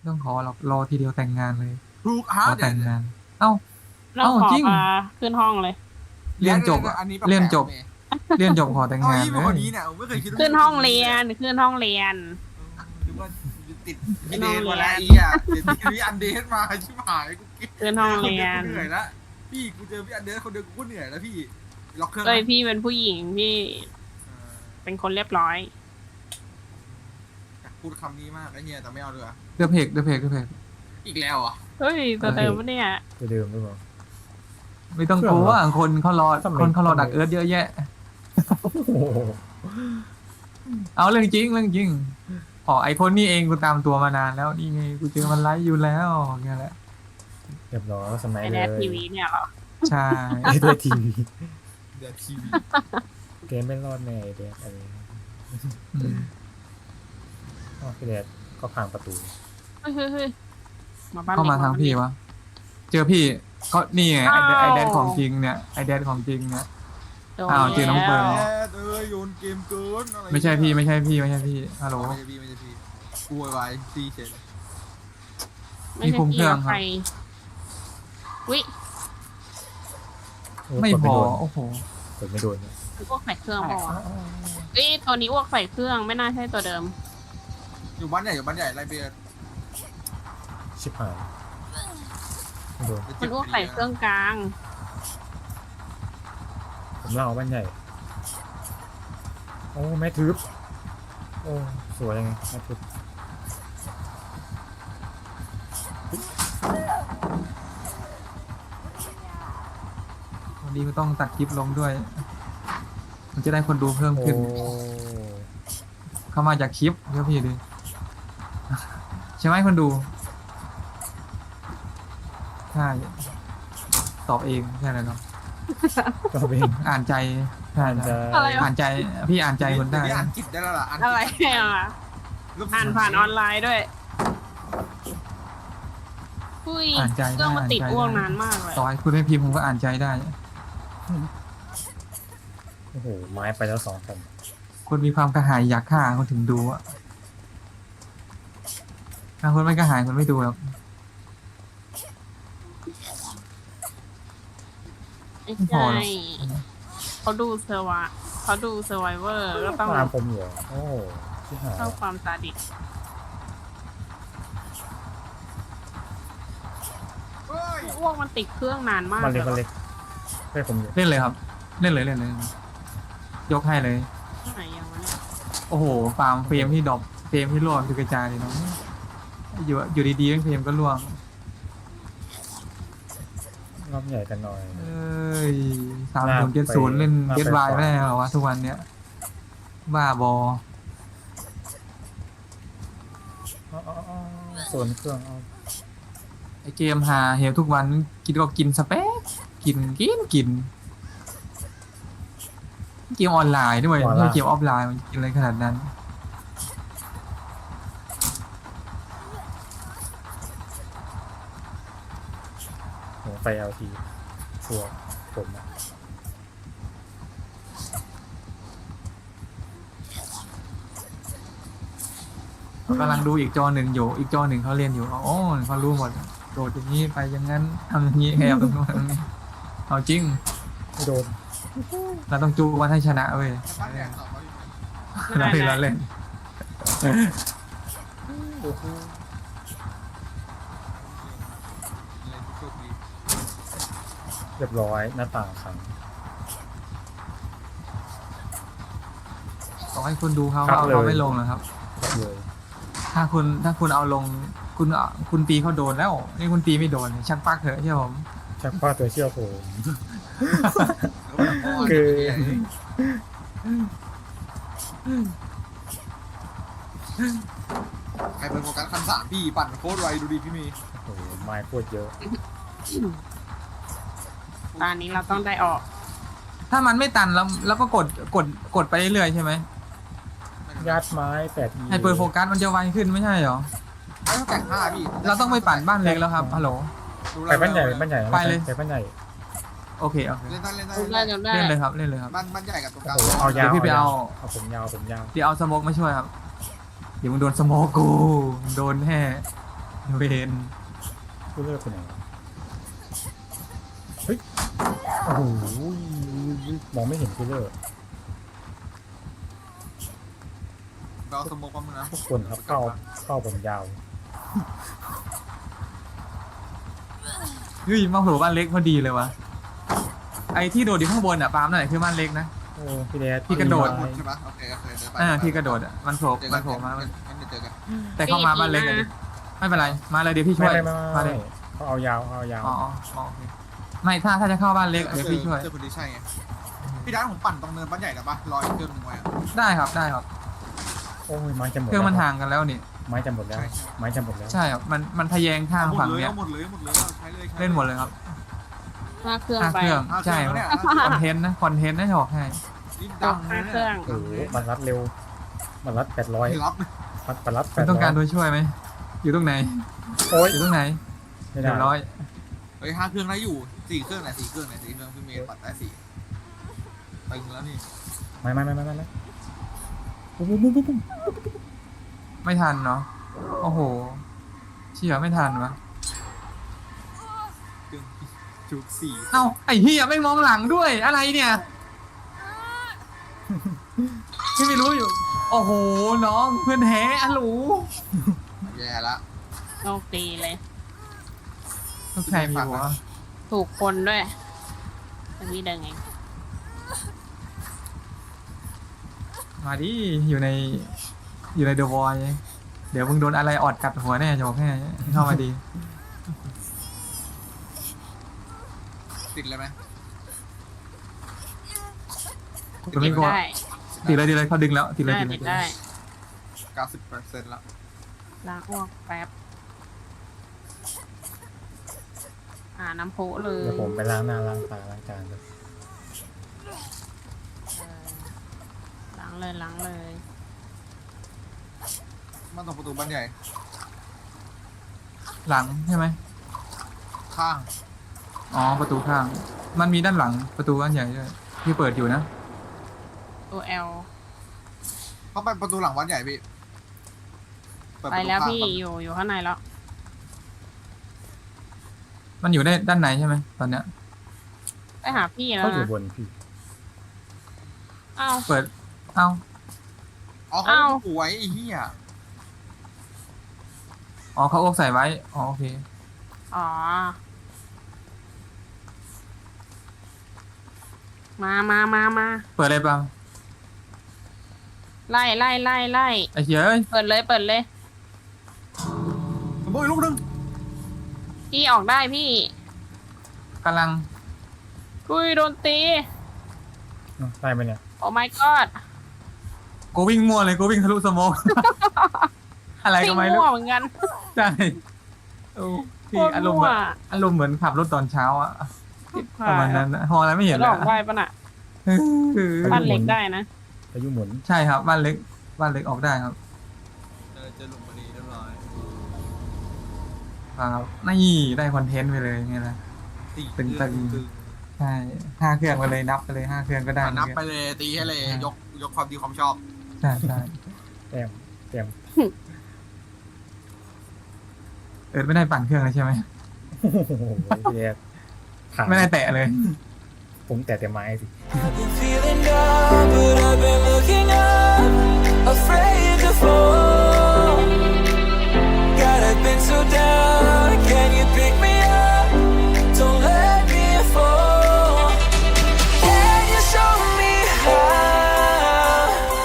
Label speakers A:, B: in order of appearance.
A: ต้องขอหรอกรอทีเดียวแต่งงานเลย
B: ถูกฮะ
A: ขอแต่งงาน เอ้า
C: เราขอ
A: จริง
C: พาขึ้นห้องเลย
A: เรียนจบอะ
B: อันนี้
A: เรียนจบ เรียนจบขอแต่ง
B: เอา
A: งาน
B: ยี่
A: เล
B: เป็นคน
A: ย
B: นี้เนี่ยผมไม่เคยคิดว่า
C: ขึ้นห้องเรียนขึ้นห้องเรียน
B: หรือว่าติดพี่เดน
C: ขึ้นห้องเรียน
B: มาแล้วอีอ่ะเดี๋ยวพี่อันเดนมาชิบหายกู
C: ขึ้นห้องเรียน
B: เหนื่อยแล้วพี่กูเจอพี่อันเดนคนเดียวกูก็เหนื่อยแล้วพี่ล็อกเครื่อง
C: เลยพี่เป็นผู้หญิงพี่เป็นคนเรียบร้อย
B: อยากพูดคำนี้มากไอ้เหี้ยแต่ไม่เอาเลย
A: เดือเพกเดือเพกเดือเพก
B: อีกแล้วอ่ะ
C: เฮ้ยตัวเดิมปะเนี่ย
D: ตัวเดิมหรือเปล่า
A: ไม่ต้องกลัวคนเขารอ
D: ทำไม
A: คนเขารอดักเอิร์ธเยอะแยะ
D: โอ้โห
A: เอาเรื่องจริงเรื่องจริงอ๋อไอคนนี้เองกูตามตัวมานานแล้วนี่ไงกูเจอมันไลฟ์อยู่แล้วเงี้ยแหละ
D: เรียบร้อยสมัย
C: ไอ
D: เล
C: แด
D: ย
C: ดทีวีเนี่ยเหรอ
A: ใช่
D: ไอ้ตัวทีวี
B: เดี๋ยวทีวี
D: เกมไม่รอดแน่ไอ้เด็กอะไร
A: อืม
D: อ๋อพี่เด็กก็พังประตู
C: เฮ้ยมาบ้าน
A: เข้ามาทางพี่วะเจอพี่ก็นี่ไงไอแดนของจริงเนี่ยไอแดนของจริงเนี่ย อ้าวเจอน้องเฟิร์น
B: แอดโยนเกมเกินอะไร
A: ไม่ใช่พี่ไม่ใช่พี่ไม่ใช่พี่ฮัลโหล
B: ไม่ใช่พี่ไม่ใช่พี่กูไวซีเฉย
C: ไม่ใช่พี่แล้วใครวิ
D: โอ้
A: ไม่
D: กด
A: พอ
D: โดน
A: โอ้โห
D: กดไม่โดนเนี่ย
C: อ้วกใส่เครื่องพอเอ้ยตัวนี้อ้วกใส่เครื่องไม่น่าใช่ตัวเดิม
B: อยู่บ้านใหญ่อยู่บ้านใหญ่ไรเบียร์
D: ชิบหายไม่โดน
C: มันอ้วกใส่เครื่องกลาง
D: ผมเล่าบ้านใหญ่โอ้แม่ทึบโอ้สวยยังไงแม่ทึบ
A: วันนี้ก็ต้องตัดคลิปลงด้วย มันจะได้คนดูเพิ่ม
D: โอ้
A: ขึ้น เข้ามาจากคลิปเดี๋ยวพี่ดิ ใช่ไหมคนดู ใช่ ตอบเองใช่แล้วเนาะ
D: ก็เป็น
A: อ่านใจใช่
D: จะ
A: ใช่
C: อะไรวะ
A: อ่านใจ พี่อ่านใจคนได้
B: เดี๋ยวอ่านจิตได้แล้วล่ะ
C: อะไรอ่ะอ่านผ่านออนไลน์ด้วยอุ้ย
A: อ่านใจ
C: เครื่องมันติด
A: อ่านใจ
C: อ้วก
A: ได้
C: นานมากเลย
A: ต่อให้คุณไม่พิมพ์ผมก็อ่านใจได้
D: โอ้โหไม้ไปแล้ว2 แผ่น
A: คนมีความกระหายอยากฆ่าคนถึงดูอะถ้าคนไม่กระหายคนไม่ดูหรอก
C: ไม่
A: พอ
C: ใช่
A: แล้ว
C: เขาดูเซอร์วะเขาดูเซอร์ไวเวอร์ก็ต้อง
D: ตามผมอยู่เหรอโอ้ชิบหาย
C: เข้าความซาดิส
B: เฮ้ย
C: อ้วกมันติดเครื่องนานมาก
D: มัน
C: เล
D: เล็
C: ย
D: กมันเล็กเฮ้ยผมอยู่
A: เล่นเลยครับ เล่นเลยเล่นเลย ยกให้เลย
C: ที่ไหนยังวะเนี่ย
A: โอ้โหฟาร์มเฟรมที่ดรอปเฟรมที่ร่วงคือกระจายเลยเนาะอยู่ดีๆเฟรมก็ร่วง
D: รอบใหญ่กันหน่อย
A: เอ้ย3070เล่นเกตวายไม่ได้เหรอวะทุกวันเนี้ยบ้าบอ
D: อ๋อส่วนเครื่องเอา
A: ไอเกมหาเหวทุกวันกินก็กินสเปคกินเกมออนไลน์ด้วยไม่ใช่เกมออฟไลน์มันกินอะไรขนาดนั้น
D: หัวไฟ LT ชัวร์ผมอะ
A: กำลังดูอีกจอหนึ่งอยู่อีกจอหนึ่งเขาเรียนอยู่โอ้เขารู้หมดโดดอย่างนี้ไปอย่างนั้นทำอย่างนี้แอบตรงนู้นตรงนี้เอาจริง
D: ไม่โดน
A: เราต้องจูวันให้ชนะเว้ย
B: บ้านใหญ่ต่อไป
A: เราเล่นเราเล่น
D: โอ้โห
B: เล่นโชคดี
D: เรียบร้อยหน้าต่างขัง
A: ต้องให้คุณดูเขา
D: ครับ
A: เอา
D: เลย
A: เราไม่ลงนะครับ
D: เลย
A: ถ้าคุณเอาลงคุณตีเขาโดนแล้วนี่คุณตีไม่โดนชักปักเถอะใช่ผม
D: ชักป้าตัวเชี่ยวผม
B: คื
D: คือ
B: ใครเป็นโฟกัสคันสามพี่ปั่นโคตรไวดูดิพี่เมย์
D: โอ้โหไม้โคตรเยอะ
C: ตอนนี้เราต้องได้ออก
A: ถ้ามันไม่ตันแล้วก็กดไปเรื่อยๆใช่ไหม
D: ยัดไม้8
A: ให้เปิดโฟกัสมันจะไวขึ้นไม่ใช่เหรอ
B: ไม่ต้องแต่งห้าพี่
A: เราต้องไปปั่นบ้านเล็กแล้วครับฮัลโหล
D: ไปบ้านใหญ่บ้านใหญ่
A: ไปเลย
D: ไปบ้านใหญ่
A: โอเค
B: เล่นได้เล่นได้
C: จำได้จำได้
A: เล่นเลยครับเล่นเลยครับ
B: บ้านใหญ่กับตรงกลาง
D: โอ้โหเอายาว
A: เดี๋ยวพี่ไปเอา
D: เอาผมยาว
A: เดี๋ยวเอาสโมกมาช่วยครับเดี๋ยวมึงโดนสโมกกูมึงโดนแน่เวน
D: กูเลิกไปไหนวะเฮ้ยโอ้โหมองไม่เห็นกูเลิก
B: เราสมมติว่ามึงนะ
D: ทุกคนครับเข้าผมยาว
A: เฮ้ยมาโผล่บ้านเล็กพอดีเลยวะไอ้ที่โดดอยู่ข้างบนอ่ะปาล์มนั่นแหละคือบ้านเล็กนะ
D: โอ้พี่แดด
A: พี่กระโดด
B: หมดใช่ปะโอเคเดี๋ยวไป
A: ที่กระโดดอ่ะมันโผล่
B: เจอ
A: มั
B: กัน
A: นโผล่มา
B: งั้นเดี๋ยวเจอกัน
A: แต่เข้ามาบ้านเล็กอะดิไม่เป็นไรมาเลยเดี๋ยวพี่ช่
D: ไม่
A: วย
D: ไม่
A: มา
D: ไม่
A: เลย
D: เขาเอายาว
A: อ๋อโอเคไม่ถ้าจะเข้าบ้านเล็กเดี๋ยวพี่ช่วย
B: เจอคนที่ใช่ไงพี่ด้านผมปั่นตรงเนินบ้านใหญ่แล้วปะรออีกเครื่องนึงไว้อะ
A: ได้ครับได้ครับ
D: โอ้ยไม้จะหมด
A: เครื่องมัน
D: แล้ว
A: ห่างกันแล้วนี่
D: ไม้จะหมดแล้วไม้จะหมดแล้ว
A: ใช่ครับมันทะแยงทาง
B: เอาหม
A: ฝั่
B: ด
A: ง
B: เลย
A: เนี้ย
B: เอาหมดเลยเอาใช้เลย
A: เล่นหมดเลยครับ
C: ห้าเครื่อง
A: ห้า
C: ไป
A: เครื่อง
B: เอา
A: ใช่
B: เครื่อง
A: ค
B: แล้ว
A: รับ
B: เนี่ย
A: คอนเทนต์นะจะบอกให้
B: รีบ
C: ต
B: ดั
C: ก
B: ง
C: ห้า
B: เลย
C: เครื่อง
D: โอ้โหมันรัดเร็วมันรัด800
B: รับ
D: มันรัด
A: คุณต้องการ
D: 800
A: ตัวช่วยไหมอยู่ตรงไหน
D: โอ้ย
A: อยู่ตรงไหน
D: ไม่ได้
A: เรียบร้อย
B: เฮ้ย5 เครื่องได้อยู่4 เครื่องไหน4 เครื่องไหน4 เครื่องพี่เมย์ปัดได้4ตึงแล้วนี่
D: ไม่ปุ๊บปุ๊บปุ๊บปุ๊บ
A: ไม่ทันเนาะโอ้โหเชี่ยไม่ทันวะ
B: เครื่องจุก4
A: เอ้าไอ้เฮียไม่มองหลังด้วยอะไรเนี่ยพี่ไม่รู้อยู่ โอ้โหน้องเพื่อนแท้อะหลู
B: แย่ละ
C: โชคดีเลย
A: ต้องใครมีหัว
C: ถูกคนด้วยตรงนี้เดินไง
A: มาดิอยู่ในเดอะวอยเดี๋ยวมึงโดนอะไรออดกัดหัวแน่จะบอกให้เข้ามาดี
B: ติดเลยไหม
A: ตัวนี้ก็
C: ได้
A: ติดเลยเขาดึงแล้วติดเลย
C: ได้
A: ติด
C: ติด
A: เลย
C: ได้
B: 90%แล้ว
C: ล้างอ้วกแป๊บน้ำพุเลย
D: เดี๋ยวผมไปล้างหน้าล้างตาล้างจานเลย
C: ล้างเลย
B: มันตรงประตูบ้านใหญ่
A: หลังใช่ไหม
B: ข้าง
A: อ๋อประตูข้าง มันมีด้านหลังประตูอันใหญ่ด้วยที่เปิดอยู่นะ
C: ตัว L
B: เข้าไปประตูหลังวัดใหญ่พี่เด
C: ไป
B: ประตู
C: แล้ว
B: ข้าง
C: พี่
B: ก่อน
C: อยู่ข้างในแล้ว
A: มันอยู่ได้ด้านในใช่ไหมตอนเนี้ย
C: ไปหาพี่แล้
D: เขา
C: ว
D: อยู่
C: นะ
D: บนพี่
C: อ้าว
A: เปิดเอ้า
B: อ๋อเขา
C: อ้าว
B: ป่วยไอ้เหี้ย
A: อ๋อเขาอกใส่ไว้อ๋อโอเค
C: อ๋อมา
A: เปิดเลยเปล่า
C: ไล่
A: ไอ้เหี้ยเอ้ย
C: เปิดเลย
B: สมมติอีกลูกนึง
C: พี่ออกได้พี่
A: กำลัง
C: อุ้ยโดนตี
D: ได้ไหมเนี่ย
C: โอ้ my god
A: กูวิ่งมั่วเลยกูวิ่งทะลุสโมอง อะไรก็ไม่
C: พี่
A: รู้
C: มั่วเหมือนกัน
A: ใช่โอ้พี่อารมณ์แบบอารมณ์เหมือนขับรถตอนเช้าอะประมาณนั้นนะฮออะไรไม่เห็น
C: ห
A: เล
C: ล
A: ย
C: อกได้ปะน่ะ บ้านเล็กได้นะ
D: พายุหมุน
A: ใช่ครับบ้านเล็กออกได้ครับ
B: เจอหลุมพอดีเรียบร้อย
A: ครับนี่ได้คอนเทนต์ไปเลยไงล่ะ ตึง ใช่5 เครื่องไปเลยนับไปเลย5 เครื่องก็ได้
B: นับไปเลยตีให้เลยยกความดีความชอบ
A: ใช่
D: แต้ม
A: ไม่ได้ปั่นเครื่องเลยใช่ไหม
D: โอ้โหพี่แดดผ่าน
A: ไม่ได้แตะเลย
D: ผมแต่ไม้สิ
E: I've been feeling down, but I've been looking up, afraid to fall. God, I've been so down.